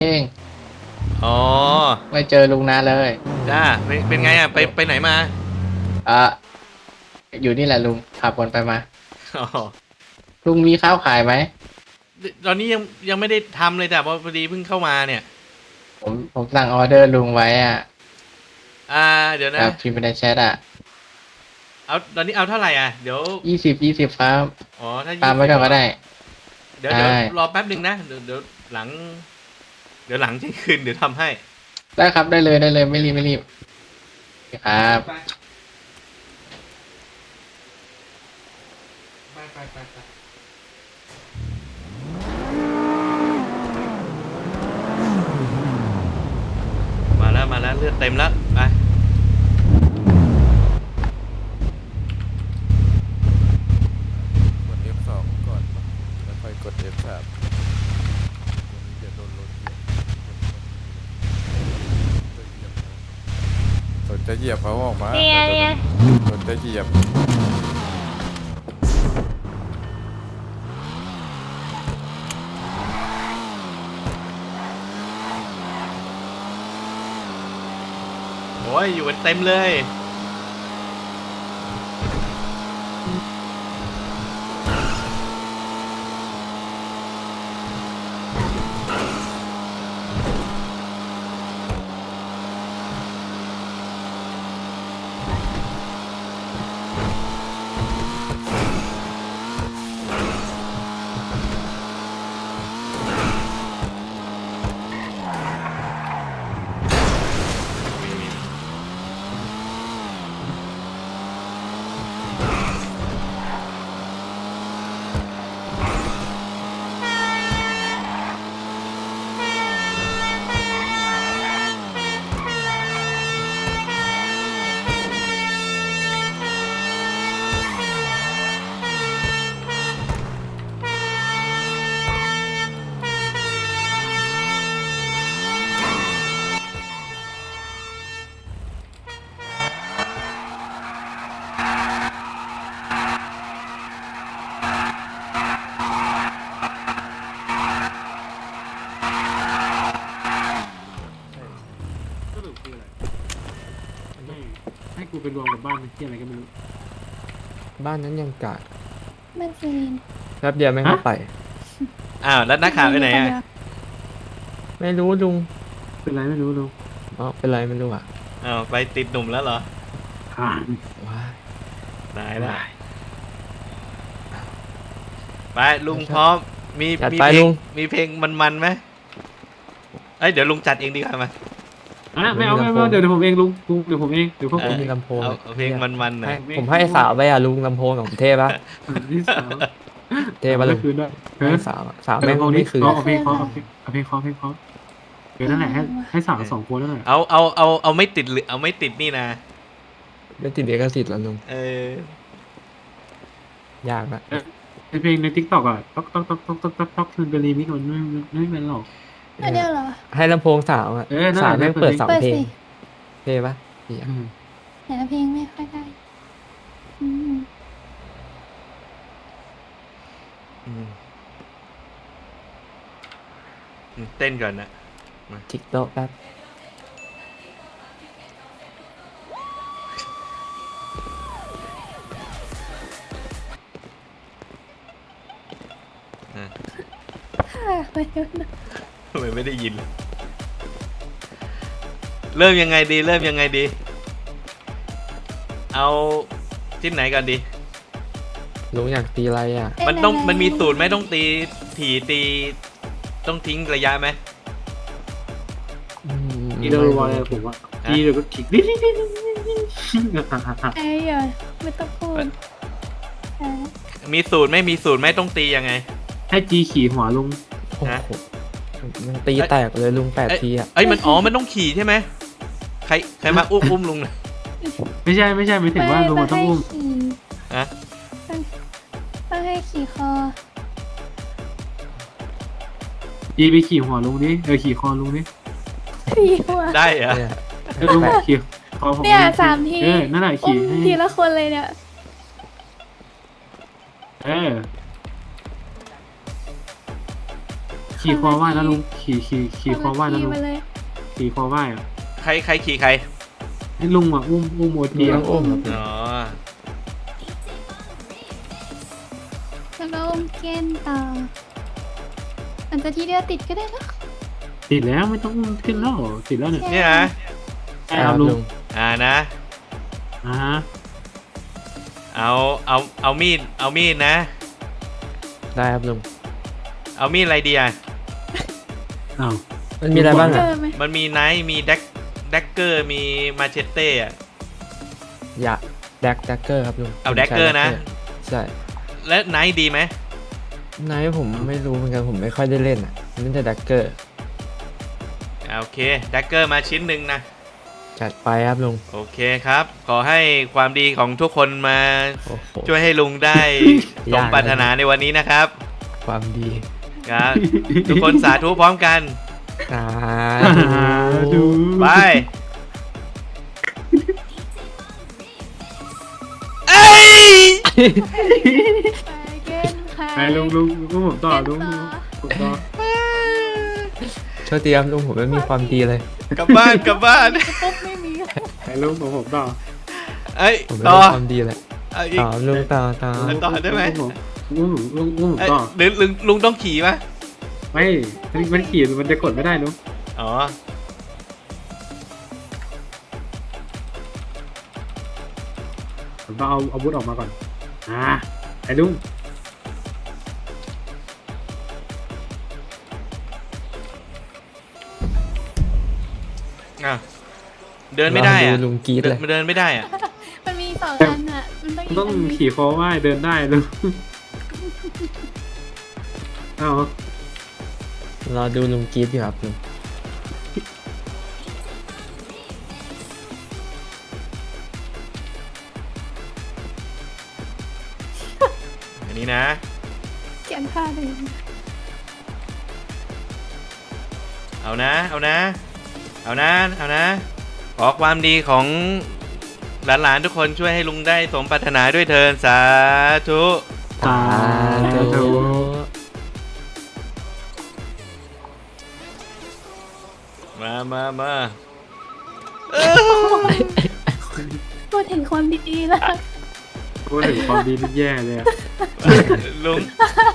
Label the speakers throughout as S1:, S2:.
S1: เอง
S2: อ๋อ
S1: ไม่เจอลุงนานเลย
S2: จ้าเป็นไงอ่ะไปไหนมา
S1: อ่ะอยู่นี่แหละลุงขับวนไปมา
S2: อ๋อ
S1: ลุงมีข้าวขายไหม
S2: ตอนนี้ยังไม่ได้ทำเลยแต่พอดีเพิ่งเข้ามาเนี่ย
S1: ผมสั่งออเดอร์ลุงไว้อ่ะ
S2: อ่าเดี๋ยวนะ
S1: แบบพิมพ์ไปในแชทอ่ะ
S2: เอาตอนนี้เอาเท่าไหร่อ่ะเดี๋ยว
S1: 20ครับ
S2: อ๋อถ้า
S1: ตามไว้ก่อน
S2: 20เหรอ
S1: ก็ได้
S2: เดี๋ยว
S1: ได้
S2: รอแป๊บหนึ่งนะเดี๋ยวหลังเที่ยงคืนเดี๋ยวทำให้
S1: ได้ครับได้เลยไม่รีบครับ
S2: ไปมาแล้วเลือดเต็มแล้วไป
S3: กด F2 ก่อนแล้วค่อยกด F3 เดี๋ยวโดนรถเหยียบสนจะเหยียบเขาออกมา
S4: เนี่ย
S3: สนจะเหยียบ
S2: โอ้ยอยู่กันเต็มเลย
S5: สรุปคืออะไรให้กูไปรวมกับบ้านที่อะไรก็ไม่รู้
S6: บ้านนั้นยังกาด
S4: มันซีน
S6: แป๊บเดียวไม่เข้าไป
S2: อ้าวแล้วนักข่าวไปไหนอ่ะ
S6: ไม่รู้ลุง
S5: เป็นไรไม่รู้ลุง
S6: อ๋อเป็นไรไม่รู้อ่ะ
S2: อ้าวไปติดหนุ่มแล้วเหรอ
S5: ผ่าน
S6: ว้าย
S2: ตายแล้วไปลุงพร้อมมี
S6: จัด
S2: มี
S6: ไป
S2: เพล
S6: ลุ
S2: ง
S6: ง
S2: มีเพลงมันไหมเอ้ยเดี๋ยวลุงจัดเองดีกว่ามา
S5: ไม่เอาเดี๋ยวผมเองลุงเดี๋ยวผมเองเดี๋ยวพวกผม
S6: มีลำโพง
S2: เอาเพลงมันหน่อย
S6: ผมให้สาวไปอ่ะลุงลำโพงของเทพปะ
S5: ที่สาม
S6: เทพปะลุง
S5: คืนด้วย
S6: ให้สาวสาวแม่ง
S5: พวกนี้
S6: ไม่คืน
S5: เอาเพลงเคาะเดี๋ยวนั่นแหละให้สาว2 คนนั่นแหละ
S2: เอาไม่ติดหรือเอาไม่ติดนี่นะ
S6: ไม่ติดลิขสิทธิ์แล้วลุง ยากละ
S5: เพลงในทิกตอกอ่ะต๊อกคืนเป็นรีมิกมันไม่เป็นหรอก
S4: อันเดียวเหรอ
S6: ให้ลำโพงสาวอ่ะ
S5: นั่นแหละ
S6: สาวแม่งเปิดสอง
S4: เปิด
S6: เพลง
S4: สิ
S6: เทปะนี่อะ
S4: แต่ละเพลงไม่ค่อยได้อืม
S2: เต้นก่อนนะ
S6: จิกโต๊ะแป๊บ
S4: ค่ะไม่รู้นะ
S2: ทำไมไม่ได้ยิน เริ่มยังไงดี เอาที่ไหนก่อนดี
S6: ลุงอยากตีอะไรอ่ะ
S2: มันมีสูตรไหมต้องตีถี่ตีต้องทิ้งระยะไหม
S5: อีเดอร์วอลเลยผมว่าทีเดี๋ยวก็ขิกดิ
S4: ไอ้เหี้ยไม่ต้องพูดอ่า
S2: มีสูตรไม่ต้องตียังไง
S5: ให้จีขี่หัวลุง
S6: โอ้โหมันตีแตกเลยลุง8 ทีอ่ะ
S2: เอ้ยมันมันต้องขี่ใช่ไหมใครมาอุ้มลุงนะ
S5: ไม่ใช่ไม่ถึงว่าลุงต้องอุ้ม
S4: ขี่
S2: ฮะ
S4: ต้องให้ขี่คอ
S5: จีไปขี่หัวลุงดิขี่คอลุงดิ
S4: ขี่หัว
S2: ได้เหรอ
S6: เนี่ย
S5: ลุงขี่คอผม
S4: เนี่ย3 ที
S5: นั่นแหละขี่ให้
S4: ทีละคนเลยเนี่ย
S5: เออขี่คอไหว้นะลุงขี่คอไหว้นะลุง
S4: มาเลย
S5: ขี่คอไหว้อะ
S2: ใครขี่ใคร
S5: ให้ลุงอ่ะอุ้มโอ
S6: ลุ
S5: ที
S6: ง
S5: อะ
S6: ต้องอุ้มครับ
S2: อ๋อ
S4: แล้วก็อุ้มเกนต่อมันจะทีเดียวติดก็ได้เนอะ
S5: ติดแล้วไม่ต้องอุ้มขึ้นแล้วติดแล้วเนี่ย
S2: เนี่ยนะ
S5: ใช่ครับลุง
S2: นะ
S5: อ่าฮะ
S2: เอามีดนะ
S6: ได้ครับลุง
S2: เอามีดอะไรดีอ่ะ
S5: อ้าว
S6: มันมีอะไรบ้าง
S4: เจ
S6: อ่ะ
S4: อไหม
S2: มันมีไนท์มีแดกเกอร์มีมาเชตเต้อะ
S6: อย่าแดกเกอร์ครับลุง
S2: เอาแดกเกอร์นะ
S6: ใช่
S2: และไนท์ดีไหม
S6: ไหนผมไม่รู้เหมือนกันผมไม่ค่อยได้เล่นอ่ะเล่นแต่แดกเกอร์
S2: โอเคแดกเกอร์มาชิ้นหนึ่งนะ
S6: จัดไปครับลุง
S2: โอเคครับ ขอให้ความดีของทุกคนมา
S6: โอ้โห
S2: ช่วยให้ลุงได้ สมปรารถนาในวันนี้นะครับ
S6: ความดี
S2: ครับ ทุกคนสาธุพร้อมกัน
S6: สา
S5: ดู
S2: ไปเอ้ย
S4: ไปเกนค่ะ
S5: ไปลุงผมต่อลุงผมต่อ
S6: โชคดีครับลุงผมไม่มีความดีเลย
S2: กลับบ้านกลับบ้าน
S4: ปุ๊บไม่มี
S5: ไปลุงผมต่อ
S2: เอ้ย
S6: ผมไม่
S2: ต่อ
S6: มีความดีเลย
S2: เอาอีก
S6: ต่อลุงต่อ
S2: ต่อได้ไหม
S5: ลุงผม
S2: เอ้ย
S5: ต่อ
S2: หรือลุงต้องขี่ปะ
S5: ไม่มันขี่มันจะกดไม่ได้ลุง
S2: อ๋อ
S5: ผมต้องเอาอาวุธออกมาก่อนไอ้ลุง
S2: อ่ะเดินไม่ได้
S6: ล
S2: อ่ะ
S6: องดูลุงกรีดเลย
S2: เดินไม่ได้อ่ะ
S4: มันมีสองอันอ่ะมันต้อง
S5: ต้องขี่คอไหว้เดินได้ลุงเอา
S6: รอดูลุงกรีดอยู่ครับลุง
S2: อันนี้นะ
S4: เขียนผ้าเลย
S2: เอานะ ขอความดีของหลานๆทุกคนช่วยให้ลุงได้สมปรารถนาด้วยเถิดสาธุ
S5: สาธุ
S2: มา
S4: พูดถึงความดีๆแล้ว
S5: พูดถึงความดีนี่แย่เลยอะ
S2: ลุง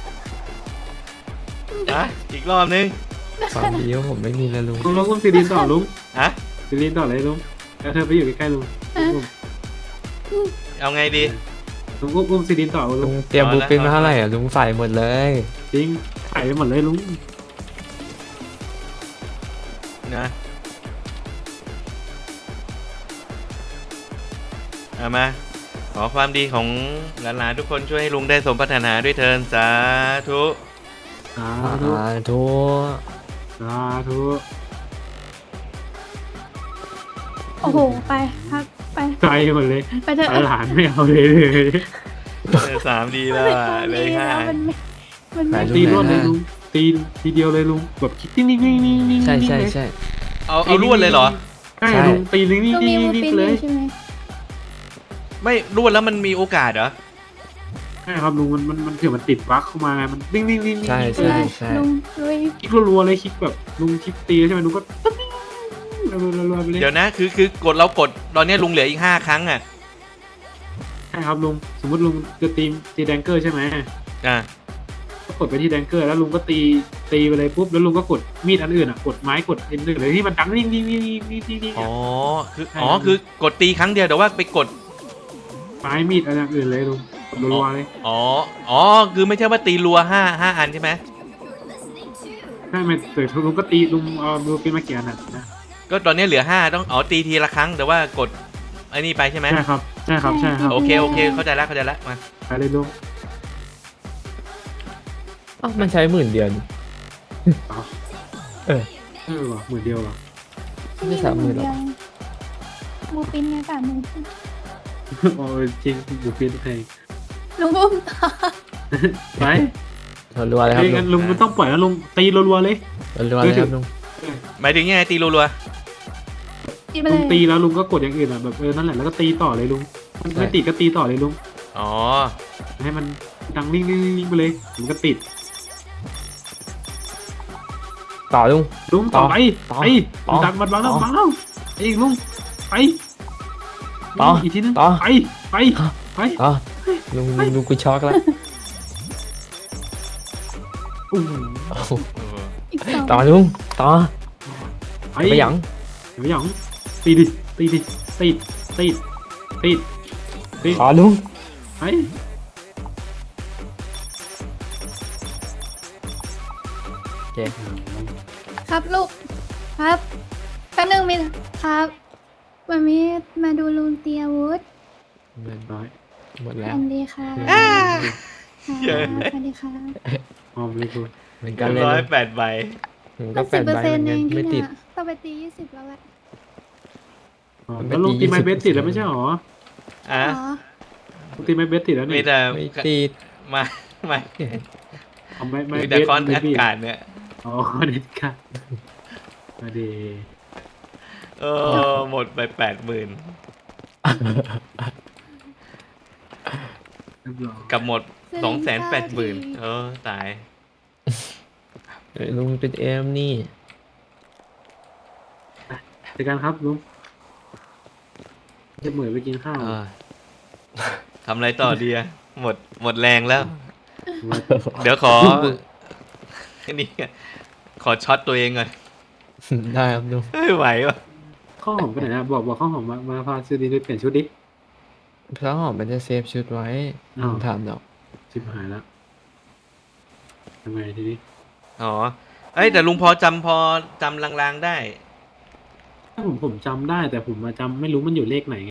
S2: อ่ะอีกรอบนึง
S6: ความดีของผมไม่มีเลยลุง
S5: ลุงอุ้มซีรีนต่อลุง
S2: ฮะ
S5: ซีรีนต่อเลยลุงแล้วเธอไปอยู่ใกล้ๆลุง
S2: เอาไงดี
S5: ลุงอุ้มซีรีนต่อลุ
S6: ลุ
S5: ง
S6: งเตรียมบูปินมาเท่าไหร่อ่ะลุงใส่หมดเลย
S5: จริงใส่ไปหมดเลยลุง
S2: นะเอามาขอความดีของหลานๆทุกคนช่วยให้ลุงได้สมปรารถนาด้วยเถิดสาธุ
S5: สาธุ
S6: ทุ
S5: สาธุ
S4: โอ้โหไปพักไป
S5: ใจหมดเลย
S4: ไปเถอะ
S5: หลานไม่เอาเลย
S2: 3 ดีแล้วอะเลข
S4: แล้ว
S2: 5
S4: มันไม่
S5: ตีรวดเลยลุงตีทีเดียวเลยลุงแบบคิดนิ่งๆๆๆๆ
S6: ใช่
S5: เลย
S2: เอารวดเลยเหรอ
S5: ใช่ลุงตีนิ่ง
S4: ต้องมีมู
S5: ๆ
S4: ปิน
S5: ๆๆเลย
S4: ใช่ไหม
S2: ไม่รวดแล้วมันมีโอกาสเหรอ
S5: ใช่ครับลุงมันถือมันติดบั๊กเข้ามาไงมันนิ่งๆๆๆ
S6: ใช่
S4: เล
S6: ใช่
S4: ย
S6: ใช่
S4: ลุงลุย
S5: คลิกรัวๆเลยคลิกแบบลุงคลิกตีใช่ไหมลุงก็รัวๆไปเลย
S2: เดี๋ยวนะคือกดเรากดตอนนี้ลุงเหลืออีก5 ครั้งอ่ะ
S5: ใช่ครับลุงสมมติลุงจะตีแดงเกอร์ใช่ไหม
S2: อ่ะ
S5: ก็กดไปที่แดงเกอร์แล้วลุงก็ตีไปเลยปุ๊บแล้วลุงก็กดมีดอันอื่นอ่ะกดไม้กดอันอื่นเลยที่มันดังนิ่งๆๆๆๆ
S2: อ๋อคือกดตีครั้งเดียวแต่ว่าไปกด
S5: ไม้มีดอะไรอย่างอื่นเลยลุงกดรัวๆเลย
S2: อ๋อคือไม่ใช่ว่าตีรัว5 อันใช่ไหม
S5: ใช่ไหมแต่ลุงก็ตีลุงเอาดูเป็นมาเกียร์น่ะนะ
S2: ก็ตอนนี้เหลือ5ต้องตีทีละครั้งแต่ว่ากดไอ้นี่ไปใช่ไหม
S5: ใช่ครับใช่ครับ
S2: โอเคเข้าใจแล้วมา
S5: ไปเลยลุง
S6: อ๋อมันใช้10,000เดียวนี่
S5: เอา
S6: เออ
S5: เหรอ10,000เดียวเหรอ
S6: ไม่30,000หรอก
S4: มูปินเนี่ย30,000
S5: โอ้ยจริงบุฟเฟ่ต์แพง
S4: ลุงอุ้มต่อ
S5: ไป
S6: รัวๆเลยครับ
S5: เฮ้ย
S6: ลุ
S5: งั้
S6: ง
S5: นลุงไม่ต้องปล่อยแล้วลุงตีรัวๆเลย
S6: รัวๆเลยครับลุง
S2: หมายถึงยังไงตีรัว
S4: ตีไป
S5: ลุ
S4: เล
S5: ง
S4: ย
S5: ตีแล้วลุงก็กดอย่างอื่นอ่ะแบบนั่นแหละแล้วก็ตีต่อเลยลุงมันไม่ติดก็ตีต่อเลยลุง
S2: ๆอ๋อ
S5: ให้มันดังนิ่งๆๆไปเลยมันก็ติด
S6: ต่อลุง
S5: ลุงต่อไป
S6: ต่อ
S5: ไป
S6: ต่อ
S5: ดันมันวางแล้ว
S6: ต่อ
S5: วางแล้วไอ้ลุงไป
S6: ต่อ
S5: อีกทีนึง
S6: ต่อ
S5: ไปไปไป
S6: ต่อลุงกูช็อกแล้ว
S5: อู้หู
S6: โอ้โห
S2: โอ้โห
S4: อีกสอง
S6: ต่อลุงต่อ
S5: ไป
S6: ไปหยัง
S5: ไปหยังตีดิตีดิตีดตีดตีดตีด
S6: ต่อลุง
S5: ไป
S6: โอเค
S4: ครับลูก ครับแป๊บนึงมิครับมันมีมาดูลุงเตียวุฒ
S5: ร้อย
S6: หมด
S4: ส
S6: แล้ว
S4: วัสดีค่ะ
S2: เยอะ
S4: สวัสดีค่ะ
S5: หอมเลยคุณ
S6: เหมือนกันเลย
S2: 108 ใบ
S6: ผมก็
S4: ก็
S6: แปดใบเหมือน
S4: เอ
S6: กัน
S4: ง
S6: ไม่
S4: ที่
S6: ติ
S4: เนี่
S6: ด
S4: ยต้องไปตี20แล้วแหละ
S5: อ๋อ
S6: มันไป
S5: แล้วลุง
S6: ตี
S5: ตีไม้
S6: 20
S5: เบสติดแล้วไม่ใช่หรอ
S2: อ่ะ
S4: อ๋อ
S5: ลุงตีไม้เบสติดแล้ว
S2: มี
S5: นี่
S2: แต่
S6: ไม่ติด
S2: มาไม่
S5: เอาไม้ไม้
S2: มี
S5: เบ
S2: แต่
S5: ส
S2: คอน
S5: ไม่
S2: อากาศเนี่ย
S5: อ๋อเด็ดค่ะมาดี
S2: เออหมดไป 80,000
S5: เรียบร้อย
S2: กับหมด 280,000เออตาย
S6: ลุงเป็นเอ็มนี่
S5: เจอกันครับลุงจะเหมือนไปกินข้าว
S2: เออทำอะไรต่อดีอะหมดแรงแล้ว เดี๋ยวขอ นี่ขอช็อตตัวเองก่อน
S6: ได้ครับลุง
S2: ไม่ไหววะ
S5: ข้าวหอมไปไหนนะบอกข้าวหอมมาพาซื้อดีด้วยเปลี่ยนชุดดิ
S6: พระหอมมันจะเซฟชุดไว้
S5: อ้าว
S6: ผมถามดอก
S5: ชิบหายแล้วทำไงทีนี้
S2: อ๋อเอ้ยแต่ลุงพอจำลางๆได้
S5: ผมจำได้แต่ผมมาจำไม่รู้มันอยู่เลขไหน